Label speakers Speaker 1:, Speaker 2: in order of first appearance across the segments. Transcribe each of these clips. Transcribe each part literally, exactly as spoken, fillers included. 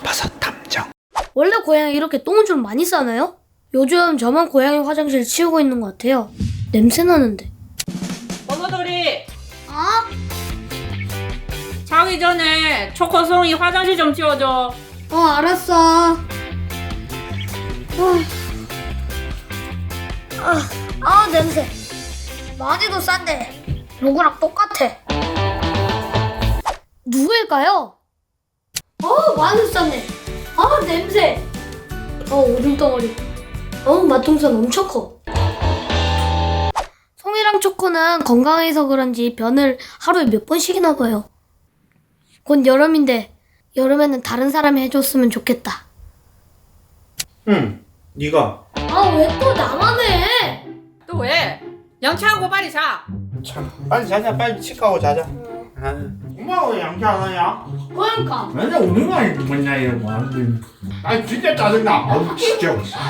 Speaker 1: 버섯 탐정.
Speaker 2: 원래 고양이 이렇게 똥을 좀 많이 싸나요? 요즘 저만 고양이 화장실 치우고 있는 것 같아요. 냄새 나는데.
Speaker 3: 버섯돌이
Speaker 2: 어?
Speaker 3: 자기 전에 초코송이 화장실 좀 치워줘.
Speaker 2: 어, 알았어. 어. 아, 아, 냄새. 많이도 싼데 누구랑 똑같아. 누구일까요? 어, 많이 쌌네. 아, 냄새. 어, 오줌덩어리. 어, 맛동산 엄청 커. 송이랑 초코는 건강해서 그런지 변을 하루에 몇 번씩이나 봐요. 곧 여름인데 여름에는 다른 사람이 해줬으면 좋겠다.
Speaker 1: 응, 네가.
Speaker 2: 아, 왜 또 나만 해?
Speaker 3: 또 왜? 양치하고 빨리 자.
Speaker 1: 참, 빨리 자자. 빨리 치과고 자자. 아, 엄마가 왜 양치 안 하냐?
Speaker 2: 그러니까.
Speaker 1: 맨날 우는 거 아니고 맨날 이러고 하는데. 아 진짜 짜증나. 아우 진짜.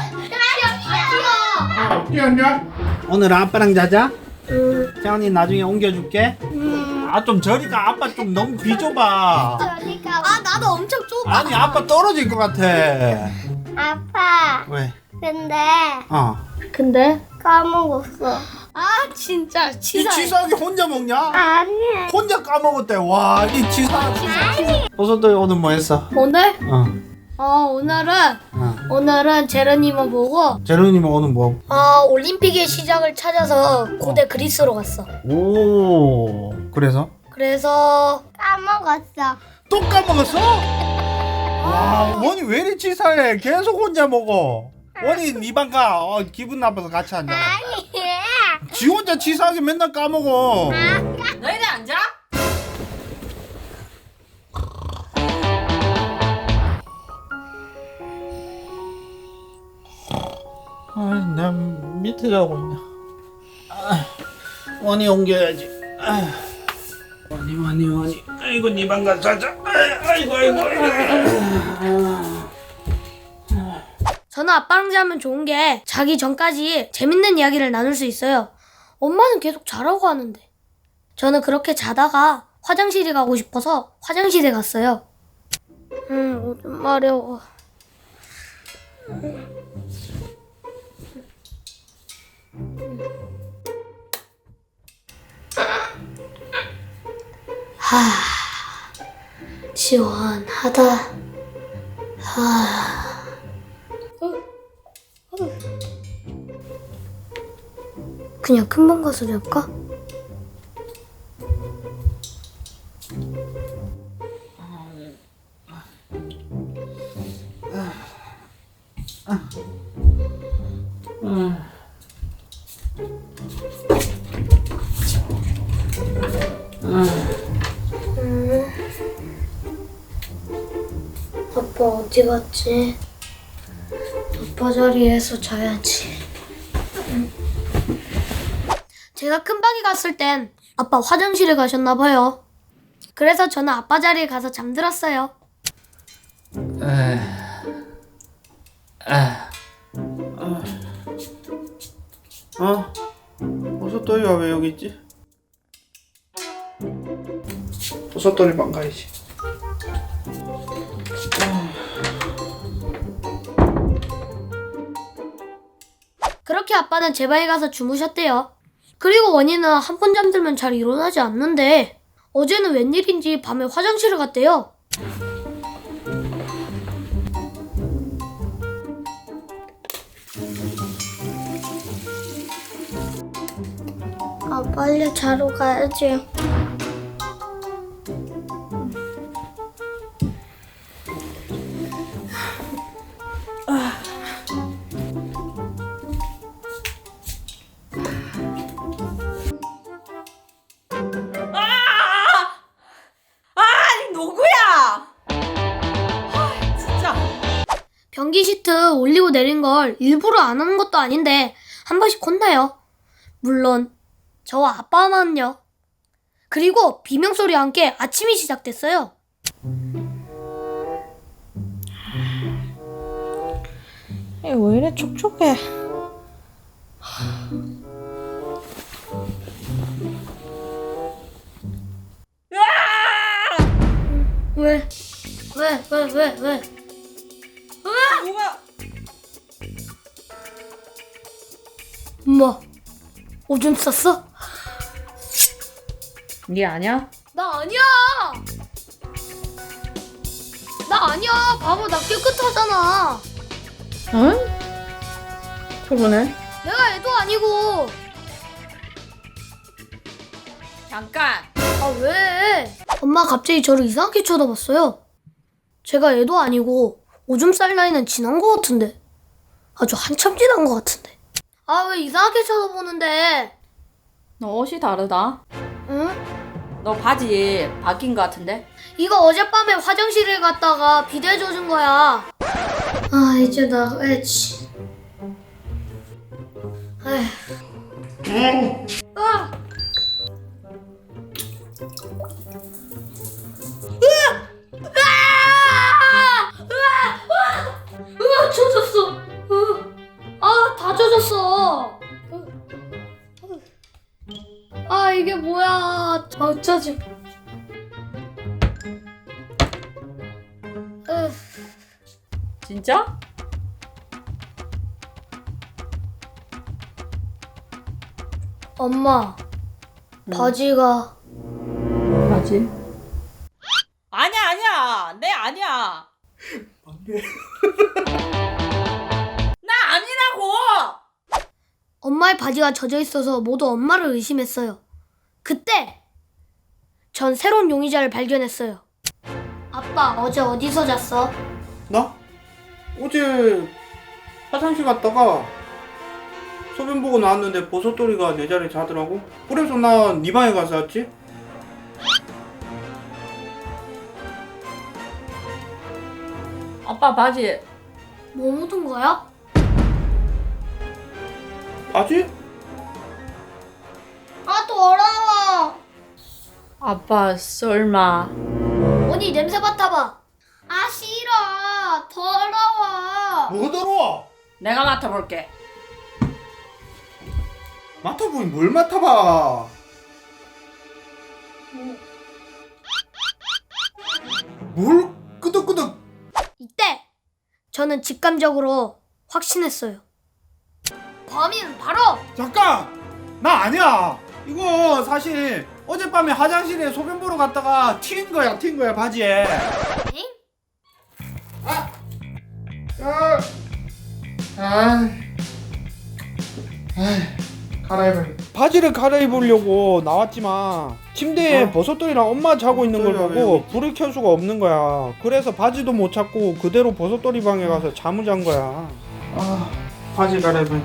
Speaker 1: 아, 뛰었냐? 오늘 아빠랑 자자.
Speaker 2: 응.
Speaker 1: 태연이 나중에 옮겨줄게.
Speaker 2: 음.
Speaker 1: 아 좀 저리가. 아빠 좀 너무 비좁아.
Speaker 2: 아, 나도 엄청 좁아.
Speaker 1: 아니 아빠 떨어질 것 같아.
Speaker 4: 아빠,
Speaker 1: 왜?
Speaker 4: 근데
Speaker 1: 어.
Speaker 2: 근데
Speaker 4: 까먹었어.
Speaker 2: 아, 진짜
Speaker 1: 이
Speaker 2: 치사해.
Speaker 1: 치사하게 혼자 먹냐?
Speaker 4: 아니.
Speaker 1: 혼자 까먹었대. 와, 이 치사하게. 버섯들 오늘 뭐 했어?
Speaker 2: 오늘?
Speaker 1: 어.
Speaker 2: 어, 오늘은
Speaker 1: 어.
Speaker 2: 오늘은 제르니모 보고
Speaker 1: 제로님 오늘 뭐?
Speaker 2: 어, 올림픽의 시작을 찾아서 고대 그리스로 갔어.
Speaker 1: 오. 그래서?
Speaker 2: 그래서
Speaker 4: 까먹었어.
Speaker 1: 또 까먹었어? 와, 원이 왜 이리 치사해? 계속 혼자 먹어. 원이 네 방 가. 어, 기분 나빠서 같이 앉아.
Speaker 4: 아니.
Speaker 1: 지 혼자 치사하게 맨날 까먹어.
Speaker 3: 너희들 안 자?
Speaker 1: 아, 난 밑에 자고 있네. 아, 원이 옮겨야지. 아, 원이 원이 원이. 아이고 네 방 가서 자자. 아, 아이고 아이고. 아이고.
Speaker 2: 저는 아빠랑 자면 좋은 게 자기 전까지 재밌는 이야기를 나눌 수 있어요. 엄마는 계속 자라고 하는데. 저는 그렇게 자다가 화장실이 가고 싶어서 화장실에 갔어요. 음, 오줌 마려워. 하, 시원하다. 하. 그냥 금방 가서 잘까? 음. 아빠 어디 갔지? 아빠 자리에서 자야지. 음. 제가 큰방에 갔을 땐 아빠 화장실에 가셨나 봐요. 그래서 저는 아빠 자리에 가서 잠들었어요.
Speaker 1: 에, 아, 어? 버섯돌이가 왜 여기 있지? 버섯돌이 방 가야지.
Speaker 2: 그렇게 아빠는 제 방에 가서 주무셨대요. 그리고 원희는 한 번 잠들면 잘 일어나지 않는데 어제는 웬일인지 밤에 화장실을 갔대요.
Speaker 4: 아, 빨리 자러 가야지.
Speaker 3: 아니 누구야? 아 진짜.
Speaker 2: 변기 시트 올리고 내린 걸 일부러 안 하는 것도 아닌데 한 번씩 혼나요. 물론 저와 아빠만요. 그리고 비명소리와 함께 아침이 시작됐어요.
Speaker 3: 왜 이래 촉촉해?
Speaker 2: 왜? 왜? 왜? 왜? 왜?
Speaker 3: 누가?
Speaker 2: 엄마, 오줌 쌌어?
Speaker 3: 네 아니야?
Speaker 2: 나 아니야. 나 아니야. 바보, 나 깨끗하잖아.
Speaker 3: 응? 그러네.
Speaker 2: 내가 애도 아니고.
Speaker 3: 잠깐.
Speaker 2: 아, 왜? 엄마 갑자기 저를 이상하게 쳐다봤어요. 제가 애도 아니고 오줌 쌀 나이는 지난 것 같은데. 아주 한참 지난 것 같은데. 아, 왜 이상하게 쳐다보는데?
Speaker 3: 너 옷이 다르다.
Speaker 2: 응?
Speaker 3: 너 바지 바뀐 것 같은데?
Speaker 2: 이거 어젯밤에 화장실에 갔다가 비데 젖은 거야. 아, 이제 나가야지. 에휴. 아! 으아! 으아! 으아! 으아! 젖었어. 으아. 아, 다 젖었어. 아, 이게 뭐야. 아, 짜증. 으.
Speaker 3: 진짜?
Speaker 2: 엄마, 바지가
Speaker 3: 바지? 아니야 아니야 내 아니야.
Speaker 1: 안돼.
Speaker 3: 나 아니라고.
Speaker 2: 엄마의 바지가 젖어 있어서 모두 엄마를 의심했어요. 그때 전 새로운 용의자를 발견했어요. 아빠, 어제 어디서 잤어?
Speaker 1: 나? 어제 화장실 갔다가 소변 보고 나왔는데 버섯돌이가 내 자리에 자더라고. 그래서 나 네 방에 가서 잤지.
Speaker 3: 아빠 바지.
Speaker 2: 뭐 묻은 거야?
Speaker 1: 바지?
Speaker 4: 아, 더러워.
Speaker 3: 아빠 설마.
Speaker 2: 언니 냄새 맡아봐.
Speaker 4: 아, 싫어. 더러워.
Speaker 1: 뭐가 더러워?
Speaker 3: 내가 맡아볼게.
Speaker 1: 맡아보니 뭘 맡아봐. 뭘 끄덕끄덕.
Speaker 2: 이때 저는 직감적으로 확신했어요. 범인은 바로
Speaker 1: 잠깐! 나 아니야. 이거 사실 어젯밤에 화장실에 소변 보러 갔다가 튄 거야, 튄 거야 바지에.
Speaker 2: 엥?
Speaker 1: 아, 아, 아, 갈아입어. 바지를 갈아입으려고 나왔지만 침대에
Speaker 5: 어.
Speaker 1: 버섯돌이랑 엄마 자고 있는 걸
Speaker 5: 버섯돌이가
Speaker 1: 보고
Speaker 5: 왜 여기
Speaker 1: 불을 켤 수가 없는 거야. 그래서 바지도 못 찾고 그대로 버섯돌이 방에 가서 잠을 잔 거야. 아, 바지 갈아입어.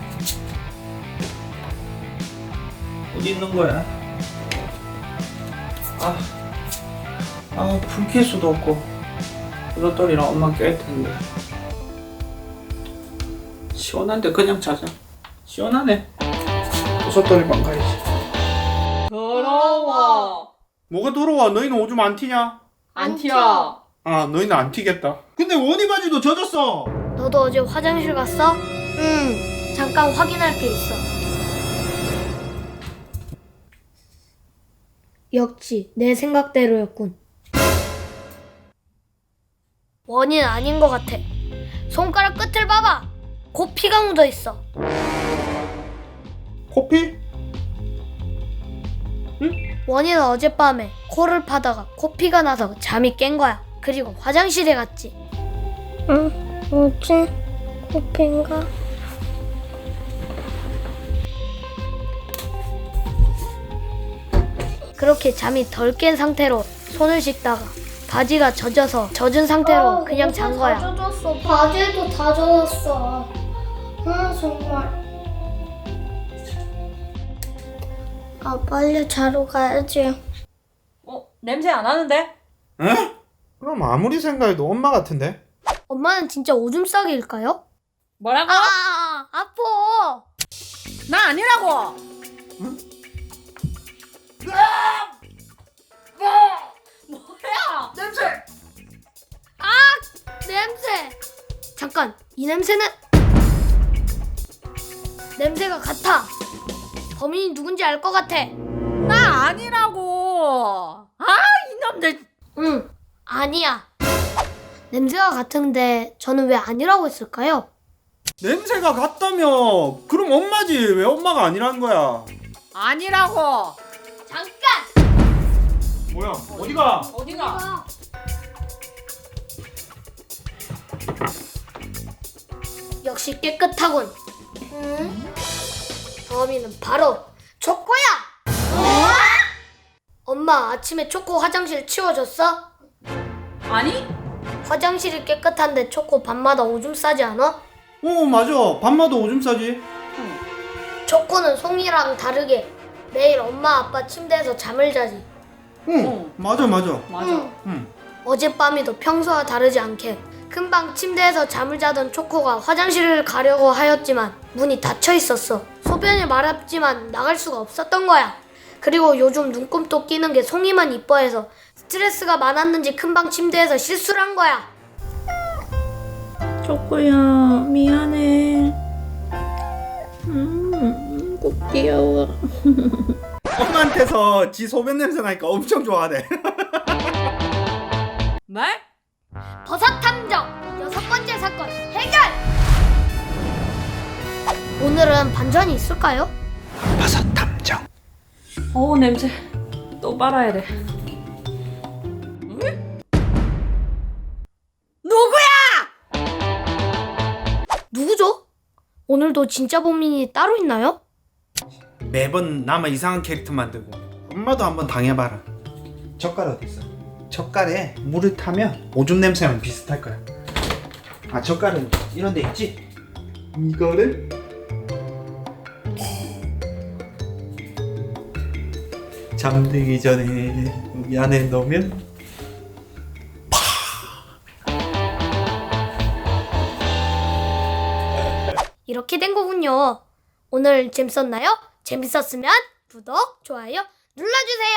Speaker 1: 어디 있는 거야? 아, 아, 불 켤 수도 없고 버섯돌이랑 엄마 깰 텐데. 시원한데 그냥 자자. 시원하네. 버섯돌이 방 가야지.
Speaker 3: 더러워.
Speaker 1: 뭐가 더러워? 너희는 오줌 안 튀냐?
Speaker 3: 안 튀어.
Speaker 1: 아, 너희는 안 튀겠다. 근데 원희 바지도 젖었어.
Speaker 2: 너도 어제 화장실 갔어? 응. 잠깐 확인할 게 있어. 역시 내 생각대로였군. 원인 아닌 것 같아. 손가락 끝을 봐봐. 곧 피가 묻어 있어.
Speaker 1: 코피?
Speaker 2: 원인은 어젯밤에 코를 파다가 코피가 나서 잠이 깬 거야. 그리고 화장실에 갔지.
Speaker 4: 응, 뭐지? 코피인가?
Speaker 2: 그렇게 잠이 덜 깬 상태로 손을 씻다가 바지가 젖어서 젖은 상태로 그냥 잔 거야.
Speaker 4: 다 젖었어. 바지도 다 젖었어. 아, 정말. 아, 빨리 자러 가야지.
Speaker 3: 어 냄새 안 나는데?
Speaker 1: 에? 그럼 아무리 생각해도 엄마 같은데?
Speaker 2: 엄마는 진짜 오줌 싸기일까요?
Speaker 3: 뭐라고?
Speaker 2: 아, 아, 아, 아파.
Speaker 3: 나 아니라고. 뭐야?
Speaker 2: 냄새. 아, 냄새. 잠깐, 이 냄새는 냄새가 같아. 범인이 누군지 알 것 같아.
Speaker 3: 나 아니라고. 아 이놈들.
Speaker 2: 응, 아니야. 냄새가 같은데 저는 왜 아니라고 했을까요?
Speaker 1: 냄새가 같다며. 그럼 엄마지. 왜 엄마가 아니라는 거야?
Speaker 3: 아니라고.
Speaker 2: 잠깐!
Speaker 1: 뭐야? 어디가?
Speaker 3: 어디가?
Speaker 2: 역시 깨끗하군. 음? 범인은 바로 초코야! 엄마 아침에 초코 화장실 치워줬어?
Speaker 3: 아니?
Speaker 2: 화장실이 깨끗한데 초코 밤마다 오줌 싸지 않아?
Speaker 1: 어 맞아. 밤마다 오줌 싸지.
Speaker 2: 초코는 송이랑 다르게 매일 엄마 아빠 침대에서 잠을 자지.
Speaker 1: 응.
Speaker 3: 어.
Speaker 1: 맞아 맞아.
Speaker 3: 맞아.
Speaker 2: 응.
Speaker 1: 응.
Speaker 2: 어젯밤에도 평소와 다르지 않게 금방 침대에서 잠을 자던 초코가 화장실을 가려고 하였지만 문이 닫혀 있었어. 소변이 마렵지만 나갈 수가 없었던 거야. 그리고 요즘 눈곱도 끼는 게 송이만 이뻐해서 스트레스가 많았는지 금방 침대에서 실수를 한 거야.
Speaker 5: 초코야 미안해. 음, 꼭 귀여워.
Speaker 1: 엄마한테서 지 소변 냄새 나니까 엄청 좋아하네.
Speaker 3: 네?
Speaker 2: 버섯 탐정 여섯 번째 사건 해결! 오늘은 반전이 있을까요?
Speaker 1: 버섯 탐정.
Speaker 3: 어우 냄새. 또 빨아야 돼. 누구야?
Speaker 2: 누구죠? 오늘도 진짜 범인이 따로 있나요?
Speaker 1: 매번 나만 이상한 캐릭터 만들고. 엄마도 한번 당해봐라. 젓갈 어디 있어? 젓갈에 물을 타면 오줌 냄새랑 비슷할 거야. 아 젓갈은 이런 데 있지? 이거를 잠들기 전에 여기 안에 넣으면
Speaker 2: 이렇게 된 거군요. 오늘 재밌었나요? 재밌었으면 구독, 좋아요 눌러주세요.